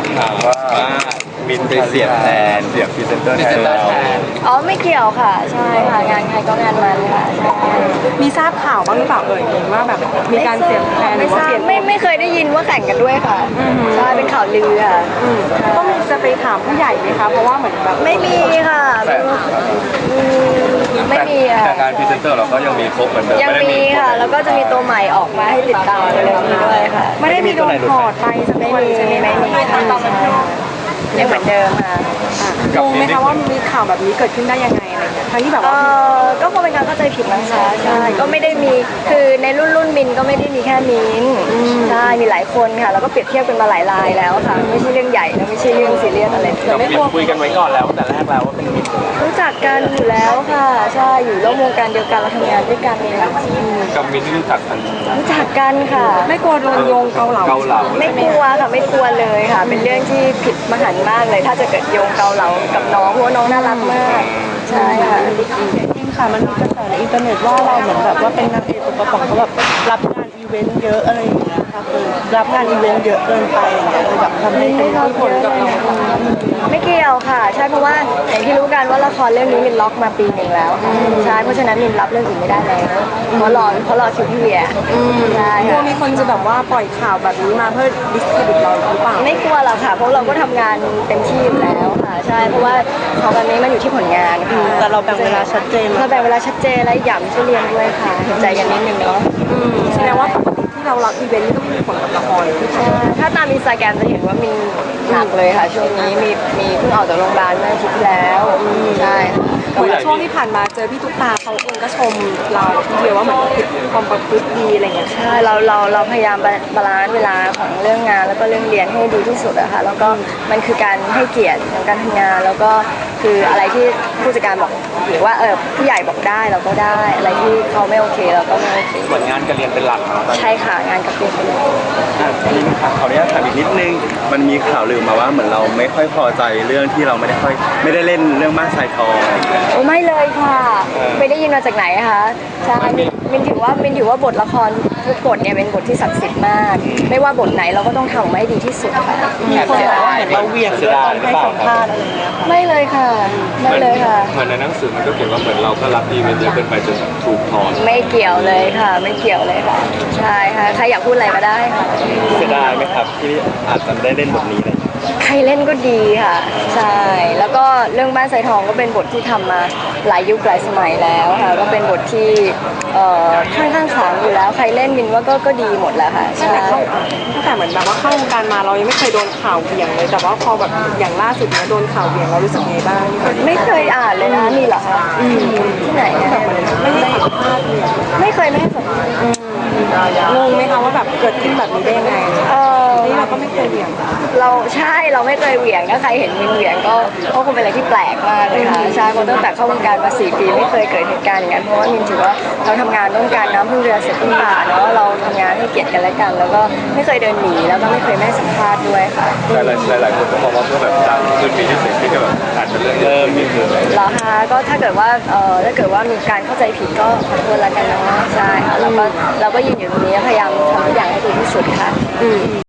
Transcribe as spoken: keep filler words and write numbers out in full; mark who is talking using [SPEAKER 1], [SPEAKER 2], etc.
[SPEAKER 1] ข่าวว่ามินไปเสียบแทนเสียบพรีเซนเตอร์แทนเรา
[SPEAKER 2] อ๋อไม่เกี่ยวค่ะใช่ค่ะงานใครก็งานมันค่ะใช่
[SPEAKER 3] มีทราบข่าวบ้างหรือเปล่าเอ่ยว่าแบบมีการเสียบแทนหรือว่าเปลี่ยน
[SPEAKER 2] ไม่ไม่เคยได้ยินว่าแข่งกันด้วยค่ะใช่เป็นข่าวลือค่ะ
[SPEAKER 3] ต้องจะไปถามผู้ใหญ่ไหมคะเพราะว่าเหมือนแบบ
[SPEAKER 2] ไม่มีค่ะไม่มีอ่ะ
[SPEAKER 1] แต่งานพรีเซนเตอร์เราก็ยังมีครบเหมือนเดิม
[SPEAKER 2] ยังมีค่ะแล้วก็จะมีตัวใหม่ออกมาให้ติดตามเลยด้วยค่ะ
[SPEAKER 3] ไม่ได้มีโดนถอดไปสักคนใช่ไหม
[SPEAKER 2] ไม่มีค่ะยังเหมือนเดิมค่ะ
[SPEAKER 3] งงไหมคะว่ามีข่าวแบบนี้เกิดขึ้นได้ยังไงอะไรเงี้ยทั้งที่แบบว่า
[SPEAKER 2] ก็คงเป็นการเข้าใจผิดนะคะใช่ก็ไม่ได้มีคือในรุ่นรุ่นมินก็ไม่ได้มีแค่มินใช่มีหลายคนค่ะแล้วก็เปรียบเทียบกันมาหลายรายแล้วค่ะไม่ใช่เรื่องใหญ่นะไม่ใช่เรื่องซีเรียสอะไร
[SPEAKER 1] เราไม่คุยกันไว้ก่อนแล้วแต่แรกแล้วว่าเป็นมิน
[SPEAKER 2] รู้จักกันอยู่แล้วค่ะใช่อยู่ร่วมวงการเดียวกันเราทำงานด้วยกันเอง
[SPEAKER 1] กับมินที่รู้จักกัน
[SPEAKER 2] รู้จักกันค่ะ
[SPEAKER 3] ไม่กลัวโดนโยงเกาเหลา
[SPEAKER 1] เกาเหลา
[SPEAKER 2] ไม่กลัวค่ะไม่กลัวเลยค่ะเป็นเรื่องที่ผิดมหันต์มากเลยถ้าจะเกิดโยงเกาเหลากับน้องเพราะว่าน้องน่ารักมากใช่ค่ะ
[SPEAKER 3] จริงค่ะมันมีกระแสในอินเทอร์เน็ตว่าเราเหมือนแบบว่าเป็นนางเอกตัวประกอบเขาแบบรับงานอีเวนต์เยอะอะไรอย่างเงี้ยค่ะคือรับงานอีเวนต์เยอะเกินไปอย่างเงี้ยเลยแบบทำให้เป็นผลกับเรา
[SPEAKER 2] ไม่เกี่ยวค่ะใช่เพราะว่าอย่างที่รู้กันว่าละครเรื่องนี้มินล็อกมาปีหนึ่งแล้วใช่เพราะฉะนั้นมินรับเรื่องอื่นไม่ได้แล้วเพราะรอเพราะรอคิวพี่เวียใช่
[SPEAKER 3] กลัวมีคนจะแบบว่าปล่อยข่าวแบบนี้มาเพื่อดิสเครดิตเราหรือเปล่า
[SPEAKER 2] ไม่กลัวหรอกค่ะเพราะเราก็ทำงานเต็มที่อยู่แล้วค่ะใช่เพราะว่าของแบบนี้มันอยู่ที่ผลงานค่ะ
[SPEAKER 3] แต่เราแบ่งเวลาชัดเจน
[SPEAKER 2] เราแบ่งเวลาชัดเจนและอย่างช่วยเรียนด้วยค่ะเห็นใจกันนิดนึงเนาะ
[SPEAKER 3] แสดงว่าที่เรารับอีเวนต์นี่ก็ไม่มีผลกับละคร
[SPEAKER 2] ถ้าตามอินสตาแกรมจะเห็นว่ามีหนักเลยค่ะช่วงนี้มีมีเพิ่งออกจากโรงพยาบาลเมื่ออาทิตย์ที่แล้วใช่
[SPEAKER 3] เหมือนช่วงที่ผ่านมาเจอพี่ตุ๊กตาเขาเองก็ชมเราทีเดียวว่าเหมือนความประพฤติดีอะไรเงี้ย
[SPEAKER 2] ใช่เราเราเราพยายามบาลานซ์เวลาของเรื่องงานแล้วก็เรื่องเรียนให้ดีที่สุดอะค่ะแล้วก็มันคือการให้เกียรติในการทำงานแล้วก็คืออะไรที่ผู้จัดการบอกหรือว่าเออผู้ใหญ่บอกได้เราก็ได้อะไรที่เขาไม่โอเคเราก็ไม่โอเค
[SPEAKER 1] เหมือนงานการเรียนเป็นหลัก
[SPEAKER 2] ใช่ค่ะงานกับเรียนเป็นหลัก
[SPEAKER 1] นี่ครับขออนุญาตถามอีกนิดนึงมันมีข่าวลือมาว่าเหมือนเราไม่ค่อยพอใจเรื่องที่เราไม่ได้ค่อยไม่ได้เล่นเรื่องม่านทรายทอง
[SPEAKER 2] โอ้ไม่เลยค่ะไปได้ยินมาจากไหนคะใช่มินถือว่ามินถือว่าบทละครทุกบทเนี่ยเป็นบทที่ศักดิ์สิทธิ์มากไม่ว่าบทไหนเราก็ต้องทำให้ดีที่สุดค่ะ
[SPEAKER 3] มีคนบอกว่าเหมือนเราเวียงด้วยตอนให้สัมภาษณ์อะไรเงี้ย
[SPEAKER 2] ไม่เลยค่ะไม่เลยค่ะ
[SPEAKER 1] เหมือนในหนังสือมันก็เขียนว่าเหมือนเราก็รับอีเวนต์เยอะเกินไปจนถูกถอน
[SPEAKER 2] ไม่เกี่ยวเลยค่ะไม่เกี่ยวเลยค่ะใช่ค่ะใครอยากพูดอะไรก็ได้ค่ะ
[SPEAKER 1] เสียดายไหมครับที่อาจจะได้เล่นบทนี้เลย
[SPEAKER 2] ใครเล่นก็ดีค่ะใช่แล้วก็เรื่องบ้านทรายทองก็เป็นบทที่ทำมาหลายยุคหลายสมัยแล้วค่ะก็เป็นบทที่เอ่อค่อนข้างขลังอยู่แล้วใครเล่นมินว่าก็ก็ดีหมดแล้วค่ะใช่
[SPEAKER 3] ตั้งแต่เหมือนแบบว่าเข้าวงการมาเรายังไม่เคยโดนข่าวเบี่ยงเลยแต่ว่าพอแบบอย่างล่าสุดเนี่ยโดนข่าวเบี่ยงเรารู้สึกไงบ้าง
[SPEAKER 2] ไม่เคยอ่านเลยนะมีเหรอคะที่ไหนแบบ
[SPEAKER 3] ไม่ได้สัมภาษณ์เลย
[SPEAKER 2] ไม่เคยไม่ให้สัมภาษณ์
[SPEAKER 3] งงไหมคะว่าแบบเกิดขึ้นแบบนี้ได้ยังไง
[SPEAKER 2] เออ
[SPEAKER 3] นี่เราก็ไม่เคยเบี่ยง
[SPEAKER 2] เราใช่เราไม่เคยเหวี่ยงถ้าใครเห็นมินเหวี่ยงก็ก็คงเป็นอะไรที่แปลกมากเลยค่ะใช่เพราะตั้งแต่เข้าวงการมาสี่ปีไม่เคยเกิดเหตุการณ์อย่างนั้นเพราะว่ามินถือว่าเราทำงานร่วมกันน้ำพึ่งเรือเสร็จพึ่งป่าเนาะเราทำงานให้เกียรติกันและกันแล้วก็ไม่เคยเดินหนีแล้วก็ไม่เคยไม่สัมภาษณ์ด้วยค่ะ
[SPEAKER 1] หลายหลายคนก็มองว่าเพื่อแบบดังขึ้นมีชื่อเสียงที่ก็แบบอาจจะเริ่มเริ่มมีเกิด
[SPEAKER 2] เหรอคะก็ถ้าเกิดว่าเอ่อถ้าเกิดว่ามีการเข้าใจผิดก็ขอโทษแล้วกันเนาะใช่ค่ะแล้วก็เราก็ยืนอยู่ตรงนี้พยายามทำทุกอย่างให้ดีที่สุดค่ะ